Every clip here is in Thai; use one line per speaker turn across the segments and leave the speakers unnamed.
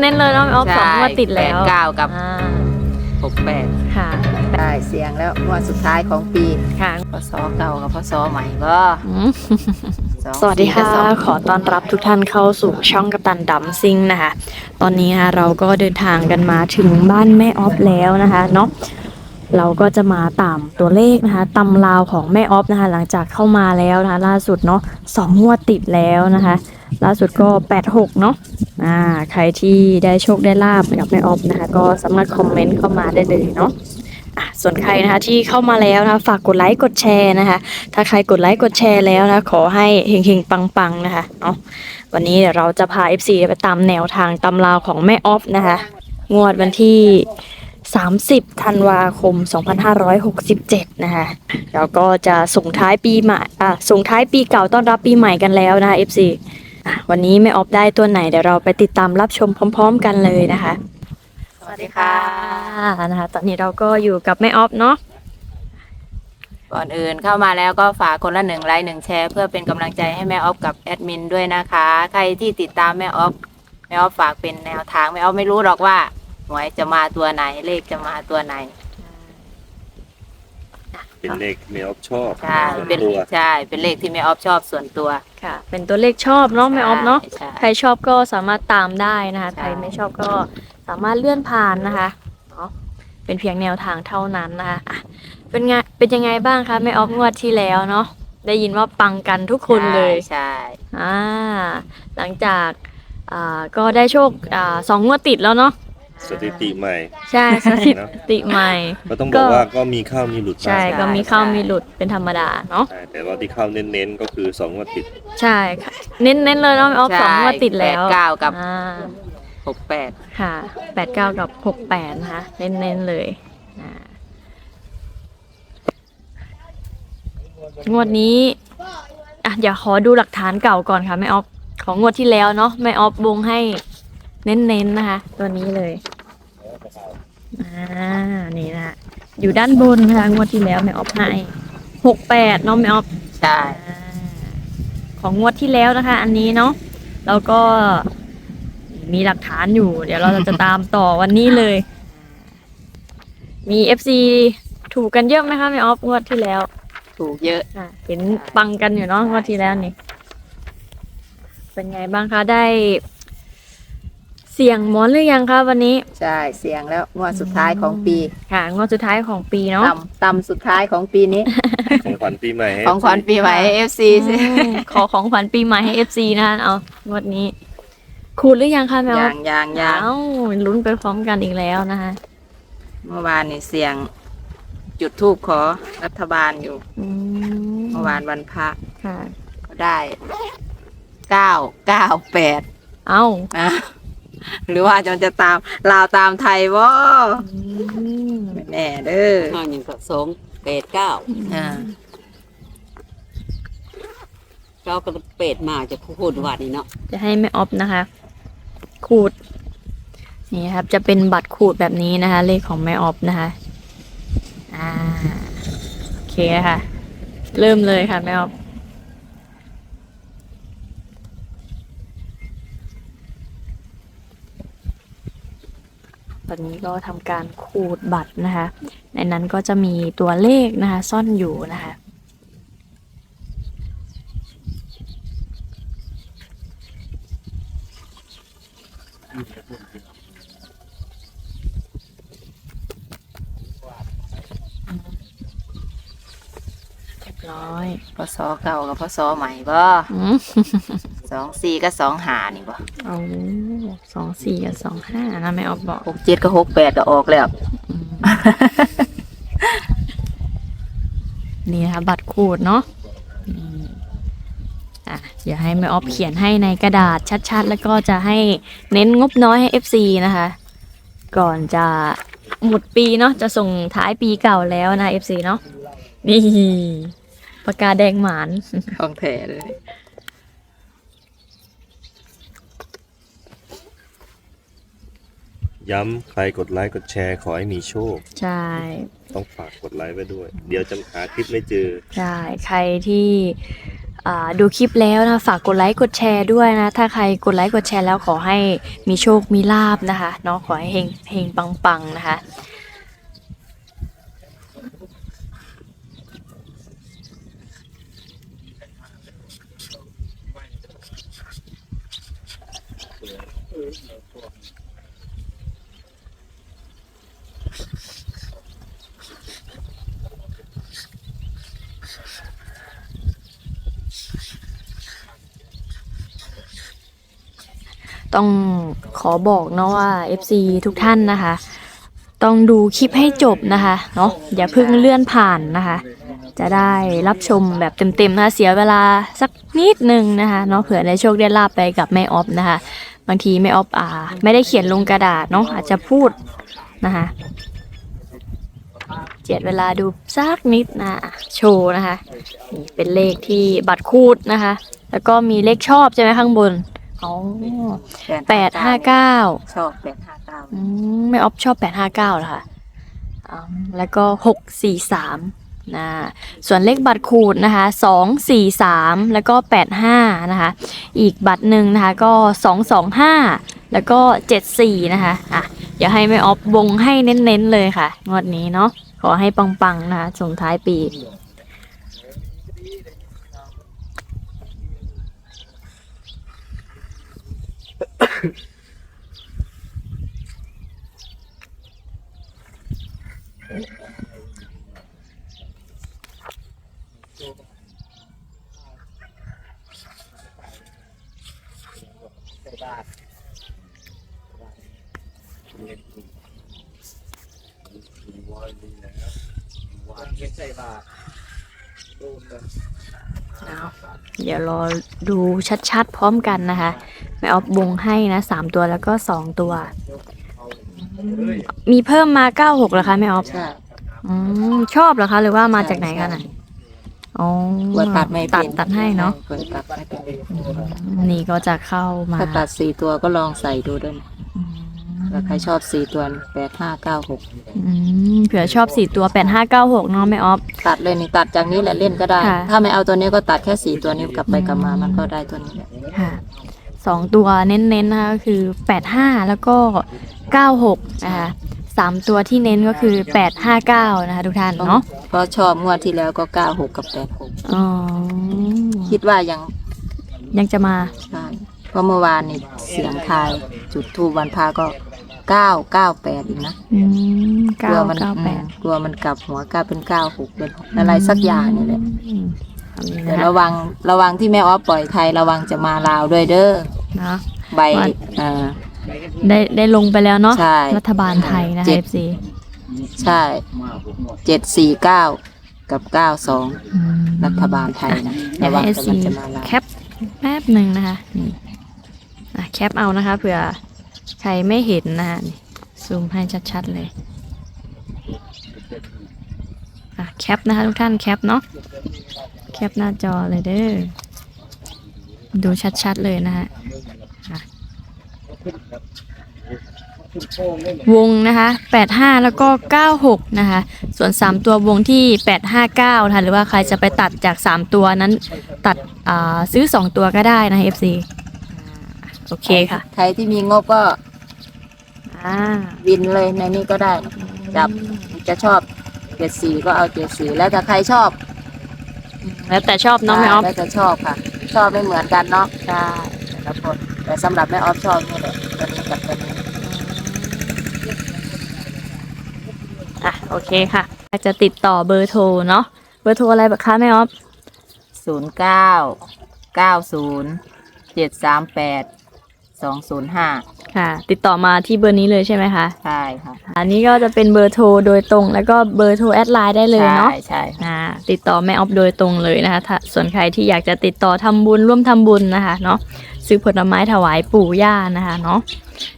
น้นๆเลยเนาะออฟสองงวดติดแล้ว
89กับ68
ค่ะ
ได้เสียงแล้วงวดสุดท้ายของปี
ค่ะ
พศเก่ากับพศใหม่ก็
สวัสดีค่ะขอต้อนรับทุกท่านเข้าสู่ช่องกัปตันดัมซิงนะคะตอนนี้เราก็เดินทางกันมาถึงบ้านแม่ออฟแล้วนะคะเนาะเราก็จะมาตามตัวเลขนะคะตำราวของแม่ออฟนะคะหลังจากเข้ามาแล้วนะคะล่าสุดเนาะ2 งวดติดแล้วนะคะล่าสุดก็86เนาะใครที่ได้โชคได้ลาบกับแม่ออฟนะคะก็สามารถคอมเมนต์เข้ามาได้เลยเนาะส่วนใครนะคะที่เข้ามาแล้วนะคะฝากกดไลค์กดแชร์นะคะถ้าใครกดไลค์กดแชร์แล้วนะขอให้เฮงๆปังๆนะคะเนาะวันนี้เดี๋ยวเราจะพา FC ไปตามแนวทางตำราวของแม่ออฟนะคะงวดวันที่30 ธันวาคม 2567นะคะแล้วก็จะส่งท้ายปีใหม่ส่งท้ายปีเก่าต้อนรับปีใหม่กันแล้วนะคะ FC วันนี้แม่ออฟได้ตัวไหนเดี๋ยวเราไปติดตามรับชมพร้อมๆกันเลยนะคะ
สวัสดีค่ะ
นะคะตอนนี้เราก็อยู่กับแม่ออฟเนาะ
ก่อนอื่นเข้ามาแล้วก็ฝากคนละ1 ไลค์ 1 แชร์เพื่อเป็นกำลังใจให้แม่ออฟกับแอดมินด้วยนะคะใครที่ติดตามแม่ออฟฝากเป็นแนวทางแม่ออฟไม่รู้หรอกว่าหวยจะมาตัวไหนเลขจะมาตัวไหน
เป็นเลขที่แม่ออฟชอบ
ใช่เป็นเลขที่แม่ออฟชอบส่วนตัว
ค่ะเป็นตัวเลขชอบเนาะแม่ออฟเนาะ
ใช่
ใครชอบก็สามารถตามได้นะคะใครไม่ชอบก็สามารถเลื่อนผ่านนะคะเนาะเป็นเพียงแนวทางเท่านั้นนะคะเป็นยังไงบ้างคะแม่ออฟงวดที่แล้วเนาะได้ยินว่าปังกันทุกคนเลย
ใช่
หลังจากก็ได้โชค2 งวดติดแล้วเนาะ
สถิติใหม่
ใช่สถิติใหม่
ก็ต้องบอกว่าก็มีเข้ามีหลุด
ใช่ก็มีเข้ามีหลุดเป็นธรรมดาเนาะ
แต่ว่าที่เข้าเน้นๆก็คือ2 งวดติด
ใช่ค่ะเน้นเลยเนาะออฟ2 งวดติดแล้ว
89กับ68
ค่ะ89กับ68นะคะเน้นเลยงวดนี้เดี๋ยวขอดูหลักฐานเก่าก่อนค่ะแม่ออฟของงวดที่แล้วเนาะแม่ออฟวงให้เน้นนะคะตัวนี้เลยนี่นะอยู่ด้านบนค่ะงวดที่แล้วแม่ออฟให้68เนาะแม่ออฟ
ใช่
ของงวดที่แล้วนะคะอันนี้เนาะแล้วก็มีหลักฐานอยู่เดี๋ยวเราจะตามต่อวันนี้เลยมี FC ถูกกันเยอะไหมคะแม่ออฟงวดที่แล้ว
ถูกเยอะ
เห็นปังกันอยู่เนาะงวดที่แล้วนี่เป็นไงบ้างคะได้เสี่ยงหมอนหรือยังคะวันนี้
ใช่เสียงแล้วงวดสุดท้ายของปี
ค่ะงวดสุดท้ายของปีเนาะ
ต่ำสุดท้ายของปีนี้
ของขวัญปีใหม่ให้
ของขวัญปีใหม่ให้ FC
ขอของขวัญปีใหม่ให้ FC นะคะเอางวดนี้ขูดหรือยังคะแม่
ยัง
ลุ้นไปพร้อมกันอีกแล้วนะคะ
เมื่อวานนี่เสียงจุดธูปขอรัฐบาลอยู่เมื่อวานวันพระก็ได้998หรือว่าจะตามลาวตามไทยบ่แน่เด้อ
อย่างก็289เราก็เป็ดมาจะพูดว่านี่เนาะ
จะให้แม่ออฟนะคะขูดนี่ครับจะเป็นบัตรขูดแบบนี้นะคะเลขของแม่ออฟนะคะโอเคค่ะเริ่มเลยค่ะแม่ออฟตอนนี้ก็ทำการขูดบัตรนะคะในนั้นก็จะมีตัวเลขนะคะซ่อนอยู่นะคะเรียบร้อย
พศเก่ากับพศใหม่บ่24กับ25นี่บ่
24กับ25นะแม่ออฟบอก
67กับ68ก็ออกแล้ว
นี่นะคะบัตรขูดเนาะเดี๋ยวให้แม่ออฟเขียนให้ในกระดาษชัดๆแล้วก็จะให้เน้นงบน้อยให้ FC นะคะก่อนจะหมดปีเนาะจะส่งท้ายปีเก่าแล้วนะ FC เนาะนี่ปากกาแดงหมาน
ของแท้เลย
ย้ำใครกดไลค์กดแชร์ขอให้มีโชค
ใช่
ต้องฝากกดไลค์ไว้ด้วยเดี๋ยวจะหาคลิปไม่เจอ
ใช่ใครที่ดูคลิปแล้วนะฝากกดไลค์กดแชร์ด้วยนะถ้าใครกดไลค์กดแชร์แล้วขอให้มีโชคมีลาภนะคะเนาะขอให้เฮงเฮงปังๆนะคะต้องขอบอกเนาะว่า FC ทุกท่านนะคะ ต้องดูคลิปให้จบนะคะเนาะอย่าเพิ่งเลื่อนผ่านนะคะ จะได้รับชมแบบเต็มๆนะคะเสียเวลาสักนิดนึงนะคะเนาะเผื่อได้โชคได้ลาบไปกับแม่ออฟนะคะบางทีแม่ออฟไม่ได้เขียนลงกระดาษเนาะอาจจะพูดนะคะเจียดเวลาดูสักนิดนะโชว์นะคะนี่เป็นเลขที่บัตรคูดนะคะ แล้วก็มีเลขชอบใช่ไหมข้างบนอ๋อ859
ชอบ859
แม่ออฟชอบ859เหรอคะแล้วก็643นะส่วนเลขบัตรขูดนะคะ243แล้วก็85นะคะอีกบัตรหนึ่งนะคะก็225แล้วก็74นะคะเดี๋ยวให้แม่ออฟวงให้เน้นๆเลยค่ะงวดนี้เนาะขอให้ปังๆนะคะส่งท้ายปีเดี๋ยวรอดูชัดๆพร้อมกันนะคะแม่ออฟวงให้นะ3ตัวแล้วก็2ตัวมีเพิ่มมา96เหรอคะแม่ออฟ
ใช่
ชอบเหรอคะหรือว่ามาจากไหนกันอ๋อ
ว่าตัดไม่เป็น
ตัดให้เนาะ
ตัดไม่เป็น
นี่ก็จะเข้ามา
ถ้าตัด4ตัวก็ลองใส่ดูด้วยถ้าใครชอบ4ตัว8596
เผื่อชอบ4ตัว8596เนาะแม่ออฟ
ตัดเลยนี่ตัดจากนี้แหละเล่นก็ได้
ค่ะ
ถ้าไม่เอาตัวนี้ก็ตัดแค่4ตัวนี้กลับไปกลับมามันก็ได้ตัวนี้แหละ
ค่ะ2ตัวเน้นๆนะคะก็คือ85แล้วก็96นะคะ3ตัวที่เน้นก็คือ859นะคะทุกท่านเนาะ
เพราะชอบงวดที่แล้วก็96กับ86
อ๋อ
คิดว่ายัง
ยังจะมา
ใช่เพราะเมื่อวานนี่เสียงทายจุดทูบวันพาก็998อีกนะกลัวมัน
998
กลัวมันกลับหัวกลายเป็น96เป็นอะไรสักอย่างนี่แหละแต่ระวังที่แม่อ้อปล่อยใครระวังจะมาลาวด้วยเด้อ
เนาะ
ใบ
ได้ลงไปแล้วเนาะ
ใช่
รัฐบาลไทยนะคะ FC
ใช่749กับ92รัฐบาลไทยนะ
เดี๋ยว
ระวั
ให้
งจะ
FC
มันจะมาลาว
แคปแป๊บหนึ่งนะคะนี่แคปเอานะคะเผื่อใครไม่เห็นนะคะนี่ซูมให้ชัดๆเลยแคปนะคะทุกท่านแคปเนาะแคปหน้าจอเลยเด้อดูชัดๆเลยนะคะวงนะคะ85แล้วก็96นะคะส่วน3ตัววงที่859นะคะหรือว่าใครจะไปตัดจาก3ตัวนั้นตัดซื้อ2ตัวก็ได้นะ FC โอเคค่ะ
ใครที่มีงบก็วินเลยในนี้ก็ได้จับจะชอบ74ก็เอา74แล้วแต่ใครชอบ
แล้วแต่ชอบเนาะแม่ออฟ
แล้วแต่ชอบค่ะ ชอบไม่เหมือนกันเนาะใช่แต่ละคนแต่สำหรับแม่ออฟชอบนี่แหละตัวนี้กับตัวนี้
โอเคค่ะจะติดต่อเบอร์โทรเนาะเบอร์โทรอะไรบ้างคะแม่ออฟ
0990738205
ค่ะติดต่อมาที่เบอร์นี้เลยใช่ไหมคะ
ใช่ค่ะ
อันนี้ก็จะเป็นเบอร์โทรโดยตรงแล้วก็เบอร์โทรแอดไลน์ได้เลยเนาะ
ใช่ค่ะ
ติดต่อแม่ออฟโดยตรงเลยนะคะส่วนใครที่อยากจะติดต่อทำบุญร่วมทำบุญนะคะเนาะซื้อผลไม้ถวายปู่ย่านะคะเนาะ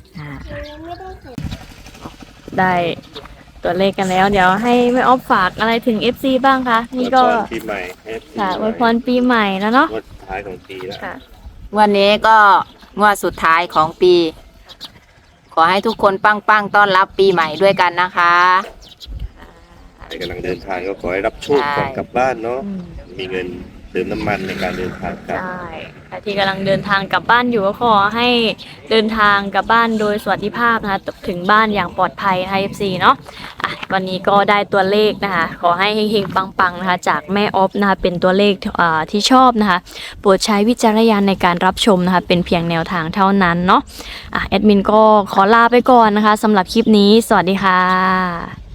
ได้ตัวเลขกันแล้วเดี๋ยวให้แม่ออฟฝากอะไรถึง FC บ้างคะนี่ก็
อวยพรปีใหม่ให้
ค่ะอวยพรปีใหม่แล้วเนาะ
งวดท้ายของปีแล้ว
ค่ะ
วันนี้ก็งวดสุดท้ายของปี ขอให้ทุกคนปังๆต้อนรับปีใหม่ด้วยกันนะคะ
ใครกำลังเดินทางก็ขอให้รับโชคก่อนกลับบ้านเนาะมีเงินเติมน้ำมันในการเดินทางกลับ
ใช่ใครที่กำลังเดินทางกลับบ้านอยู่ก็ขอให้เดินทางกลับบ้านโดยสวัสดิภาพนะคะถึงบ้านอย่างปลอดภัยนะคะ FC เนาะวันนี้ก็ได้ตัวเลขนะคะขอให้เฮงๆปังๆนะคะจากแม่ออฟนะคะเป็นตัวเลขที่ชอบนะคะโปรดใช้วิจารณญาณในการรับชมนะคะเป็นเพียงแนวทางเท่านั้นเนาะแอดมินก็ขอลาไปก่อนนะคะสำหรับคลิปนี้สวัสดีค่ะ